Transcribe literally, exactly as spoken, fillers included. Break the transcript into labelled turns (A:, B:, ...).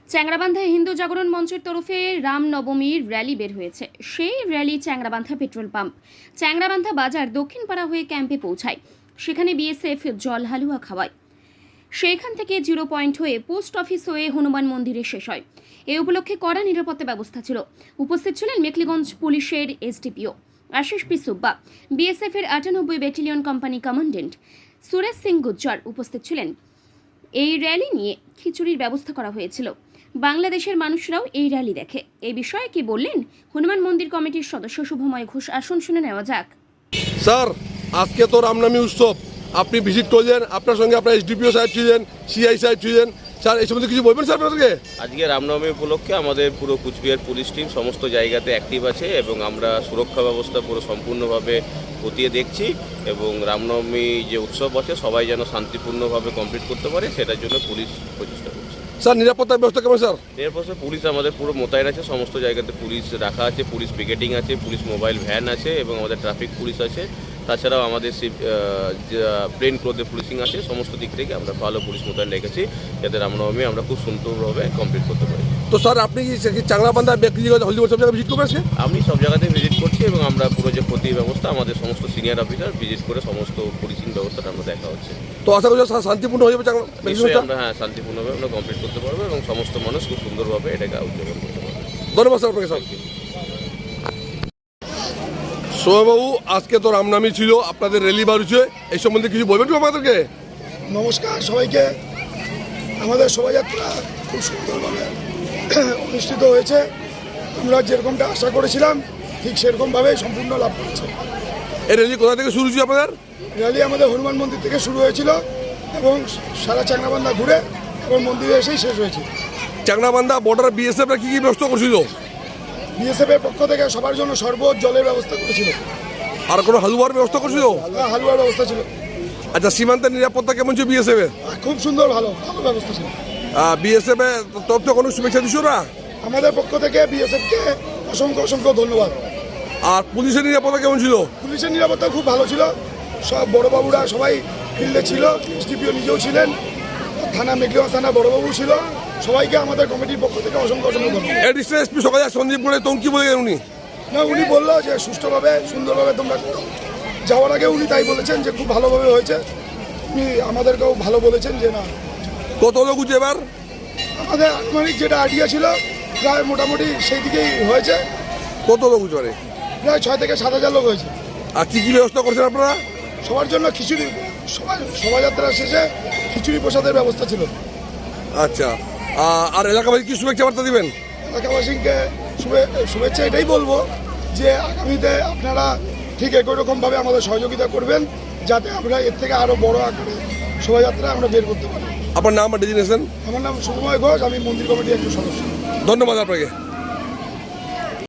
A: চ্যাংরাবান্ধায় হিন্দু জাগরণ মঞ্চের তরফে রামনবমীর র্যালি বের হয়েছে। সেই rally Changrabandha petrol pump, Changrabandha বাজার, দক্ষিণপাড়া হয়ে ক্যাম্পে পৌঁছায়। সেখানে বিএসএফ জল হালুয়া খাওয়ায়। সেখান থেকে জিরো পয়েন্ট হয়ে পোস্ট অফিস হয়ে হনুমান মন্দিরে শেষ হয়। এই উপলক্ষে কড়া নিরাপত্তা ব্যবস্থা ছিল। উপস্থিত ছিলেন মেখলিগঞ্জ পুলিশের SDPO Ashis P Subba, BSF এর আটানব্বই battalion company commandant Suresh Singh Gujjar উপস্থিত ছিলেন। এই র্যালি নিয়ে খিচুড়ির ব্যবস্থা করা হয়েছিল। বাংলাদেশের মানুষরাও এই র্যালি দেখে। এই বিষয়ে কি বললেন হনুমান মন্দির কমিটির সদস্য শুভময় ঘোষ, আসুন শুনে নেওয়া যাক।
B: স্যার, আজকে তো রামনবমী উৎসব, আপনি ভিজিট করলেন, আপনার সঙ্গে আপনার এসডিপিও সাহেব ছিলেন, সিআই সাহেব ছিলেন। স্যার, এই সম্বন্ধে কিছু বলবেন স্যার আপনাদেরকে?
C: আজকে রামনবমী উপলক্ষে আমাদের পুরো কুচবিহার পুলিশ টিম সমস্ত জায়গাতে অ্যাক্টিভ আছে এবং আমরা সুরক্ষা ব্যবস্থা পুরো সম্পূর্ণভাবে খতিয়ে দেখছি এবং রামনবমী যে উৎসব আছে সবাই যেন শান্তিপূর্ণভাবে কমপ্লিট করতে পারে সেটার জন্য পুলিশ প্রচেষ্টা করছে।
B: স্যার, নিরাপত্তার ব্যবস্থা কেমন স্যার?
C: এরপর পুলিশ আমাদের পুরো মোতায়েন আছে, সমস্ত জায়গাতে পুলিশ রাখা আছে, পুলিশ পিকেটিং আছে, পুলিশ মোবাইল ভ্যান আছে এবং আমাদের ট্রাফিক পুলিশ আছে। তাছাড়াও আমাদের প্লেন ক্লোথে পুলিশিং আছে। সমস্ত দিক থেকে আমরা ভালো পুলিশ মোতায়েন রেখেছি যাতে রামনবমী আমরা খুব সুন্দরভাবে কমপ্লিট করতে পারি।
B: তো স্যার, আপনি কি চ্যাংরাবান্ধা ব্যক্তিগত হলদিবাড়ি সব জায়গায় ভিজিট করবেন?
C: আমি সব জায়গাতে ভিজিট করছি এবং আমরা পুরো যে ক্ষতি ব্যবস্থা আমাদের সমস্ত সিনিয়র অফিসার ভিজিট করে সমস্ত পুলিশিং ব্যবস্থাটা আমরা দেখা হচ্ছে।
B: তো আশা করি স্যার শান্তিপূর্ণ হয়ে যাবে
C: নিশ্চয়ই আমরা হ্যাঁ শান্তিপূর্ণভাবে আমরা কমপ্লিট করতে পারবো এবং সমস্ত মানুষ খুব সুন্দরভাবে এটাকে উদযাপন করতে পারবে।
B: ধন্যবাদ স্যার আপনাকে। স্যার সোমবাবু, আজকে তো রামনবমী ছিল, আপনাদের র্যালি বার হচ্ছে, এই সম্বন্ধে কিছু বলবেন তো আমাদেরকে?
D: নমস্কার সবাইকে। আমাদের শোভাযাত্রা খুব সুন্দরভাবে অনুষ্ঠিত হয়েছে। আমরা যেরকমটা আশা করেছিলাম ঠিক সেরকমভাবেই সম্পূর্ণ লাভ করেছে।
B: এই র্যালি কোথা থেকে শুরু হয়েছে আপনাদের?
D: র্যালি আমাদের হনুমান মন্দির থেকে শুরু হয়েছিল এবং সারা চ্যাংরাবান্ধা ঘুরে এবং মন্দিরে এসেই শেষ হয়েছে।
B: চ্যাংরাবান্ধা বর্ডার বিএসএফরা কী কী ব্যবস্থা করছিল?
D: বিএসএফের পক্ষ থেকে সবার জন্য শরবত জলের ব্যবস্থা করেছিল।
B: আর কোনো হালুয়ার ব্যবস্থা করছিল?
D: হালুয়ার ব্যবস্থা ছিল।
B: আচ্ছা, সীমান্তের নিরাপত্তা কেমন ছিল বিএসএফ এর?
D: খুব সুন্দর, ভালো ভালো ব্যবস্থা ছিল।
B: বিএসএফ এর তরফ থেকে কোনো শুভেচ্ছা দিচ্ছ না?
D: আমাদের পক্ষ থেকে বিএসএফকে অসংখ্য অসংখ্য ধন্যবাদ।
B: আর পুলিশের নিরাপত্তা কেমন ছিল?
D: পুলিশের নিরাপত্তা খুব ভালো ছিল। সব বড়বাবুরা সবাই ফিল্ডে ছিল, এসডিপিও নিজেও ছিলেন, থানা মেঘলিগঞ্জ থানা বড়বাবু ছিল। সবাইকে আমাদের কমিটির পক্ষ থেকে অসংখ্য অসংখ্য ধন্যবাদ।
B: এডিশনাল এসপি সকালে সন্দীপ বলে তখন কি বলে উনি?
D: না, উনি বললো যে সুষ্ঠুভাবে সুন্দরভাবে তোমরা করো। যাওয়ার আগে উনি তাই বলেছেন যে খুব ভালোভাবে হয়েছে। উনি আমাদেরকেও ভালো বলেছেন যে না।
B: কত লোক উঠছে এবার?
D: আমাদের আনুমানিক যেটা আইডিয়া ছিল প্রায় মোটামুটি সেই দিকেই হয়েছে।
B: কত লোক উঠছে মানে?
D: প্রায় ছয় থেকে সাত হাজার লোক হয়েছে।
B: আর কী কী ব্যবস্থা করছেন আপনারা?
D: সবার জন্য খিচুড়ি, শোভাযাত্রা শেষে খিচুড়ি প্রসাদের ব্যবস্থা ছিল।
B: আচ্ছা, আর এলাকাবাসী কি শুভেচ্ছা বার্তা দিবেন?
D: এলাকাবাসীকে শুভেচ্ছা এটাই বলবো যে আগামীতে আপনারা ঠিক একই রকমভাবে আমাদের সহযোগিতা করবেন যাতে আমরা এর থেকে আরও বড় আকারে শোভাযাত্রা আমরা বের করতে পারি।
B: আপনার নাম আর ডেজিনেশন?
D: আমার নাম শুভময় ঘোষ, আমি মন্দির কমিটির একজন সদস্য।
B: ধন্যবাদ আপনাকে।